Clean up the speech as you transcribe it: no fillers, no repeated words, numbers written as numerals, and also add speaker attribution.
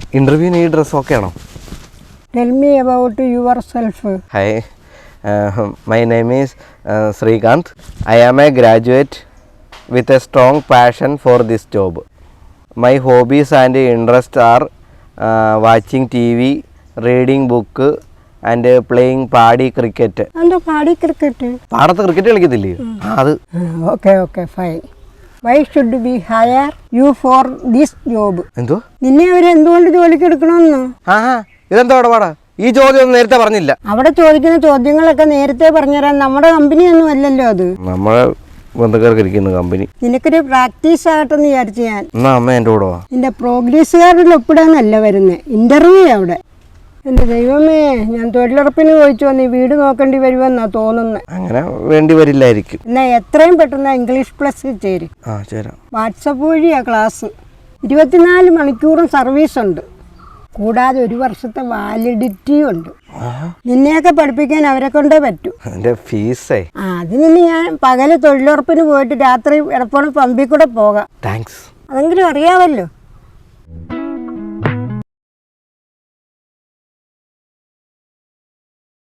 Speaker 1: ഇന്റർവ്യൂവിന് ഈ dress okay ആണോ?
Speaker 2: Tell me about yourself.
Speaker 1: Hi, my name is Srikanth. I am a graduate with a strong passion for this job. My hobbies and interests are watching TV, reading book and playing പാടി cricket.
Speaker 2: എന്താ പാടി cricket?
Speaker 1: പാടത്ത് cricket കളിക്കത്തില്ലേ? അത്.
Speaker 2: Okay, fine. Why should we hire you for this job?
Speaker 1: എന്തോ?
Speaker 2: നിന്നെ അവര് എന്തുകൊണ്ട് ജോലിക്ക് എടുക്കണമെന്ന്?
Speaker 1: ഇതെന്താ അവിടെ പാടാ? ഈ ചോദ്യം ഒന്നും നേരത്തെ പറഞ്ഞില്ല.
Speaker 2: അവിടെ ചോദിക്കുന്ന ചോദ്യങ്ങളൊക്കെ നേരത്തെ പറഞ്ഞുതരാൻ നമ്മുടെ കമ്പനിയൊന്നും അല്ലല്ലോ അത്.
Speaker 1: നമ്മളെ ബന്ധുക്കാർക്ക് ഇരിക്കുന്ന കമ്പനി.
Speaker 2: നിനക്കൊരു പ്രാക്ടീസ് ആകട്ടെന്ന് വിചാരിച്ചു ഞാൻ.
Speaker 1: എന്നാ അമ്മ എൻ്റെ കൂടെ വാ.
Speaker 2: നിന്റെ പ്രോഗ്രസ് കാർഡിൽ ഒപ്പിടാന്നല്ല വരുന്നത്, ഇന്റർവ്യൂ അവിടെ. എൻ്റെ ദൈവമേ, ഞാൻ തൊഴിലുറപ്പിന് ചോദിച്ചു വന്ന് ഈ വീട് നോക്കേണ്ടി വരുമെന്നാ തോന്നുന്നത്.
Speaker 1: അങ്ങനെ വേണ്ടി വരില്ലായിരിക്കും.
Speaker 2: എന്നാ എത്രയും പെട്ടെന്ന് ഇംഗ്ലീഷ് പ്ലസ് ചേരും.
Speaker 1: ചേരാം.
Speaker 2: വാട്സപ്പ് വഴിയാ ക്ലാസ്. 24 മണിക്കൂറും സർവീസ് ഉണ്ട്, കൂടാതെ 1 വർഷത്തെ വാലിഡിറ്റിയും ഉണ്ട്. നിന്നെയൊക്കെ പഠിപ്പിക്കാൻ അവരെ കൊണ്ടേ പറ്റൂ.
Speaker 1: ഫീസേ
Speaker 2: അതിന് ഞാൻ പകല് തൊഴിലുറപ്പിന് പോയിട്ട് രാത്രി എടപ്പോഴും പമ്പിൽ കൂടെ പോകാം.
Speaker 1: താങ്ക്സ്.
Speaker 2: അതെങ്കിലും അറിയാമല്ലോ.